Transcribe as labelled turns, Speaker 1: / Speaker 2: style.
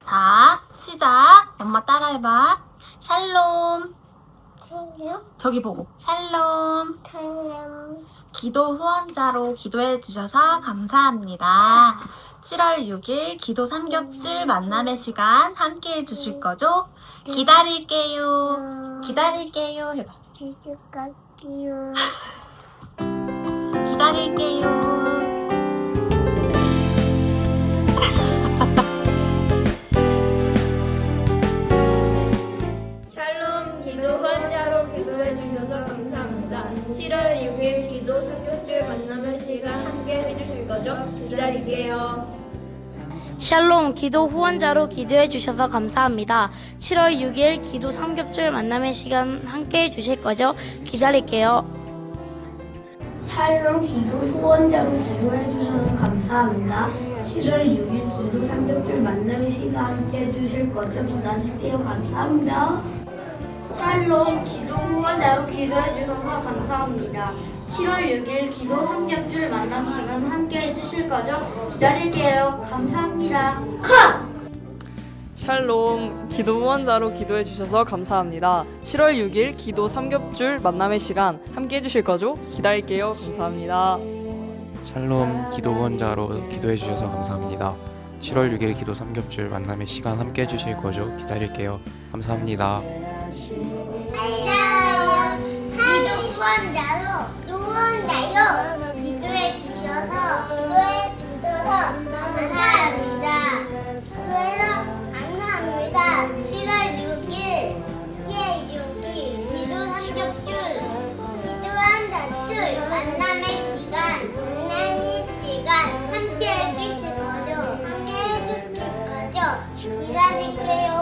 Speaker 1: 자, 시작. 엄마 따라해봐. 샬롬. 저기 보고. 샬롬. 기도 후원자로 기도해 주셔서 감사합니다. 7월 6일 기도 삼겹줄 만남의 시간 함께 해 주실 거죠? 기다릴게요. 기다릴게요. 해봐. 기다릴게요.
Speaker 2: 샬롬 기도 후원자로 기도해 주셔서 감사합니다. 7월 6일 기도 삼겹줄 만남의 시간 함께 해주실 거죠? 기다릴게요.
Speaker 3: 샬롬 기도 후원자로 기도해 주셔서 감사합니다. 7월 6일 기도 삼겹줄 만남의 시간 함께 해 주실 거죠? 기다릴게요.
Speaker 4: 샬롬 기도 후원자로 기도해 주셔서 감사합니다. 7월 6일 기도 삼겹줄 만남의 시간 함께 해주실 거죠? 기다릴게요. 감사합니다.
Speaker 5: 샬롬 기도 후원자로 기도해 주셔서 감사합니다. 7월 6일 기도 삼겹줄 만남 시간 함께 해주실 거죠? 기다릴게요. 감사합니다.
Speaker 6: 샬롬 기도 후원자로 기도해 주셔서 감사합니다. 7월 6일 기도 삼겹줄 만남의 시간 함께 해주실 거죠? 기다릴게요. 감사합니다.
Speaker 7: 샬롬 기도 후원자로 기도해 주셔서 감사합니다. 7월 6일 기도 삼겹줄 만남의 시간 함께 해주실 거죠? 기다릴게요. 감사합니다.
Speaker 8: 기도 후원자로 기도해 주셔서 감사합니다. 감사합니다. 7월 6일 기도 삼겹줄 만남의 시간 함께 해주실 거죠? 기다릴게요.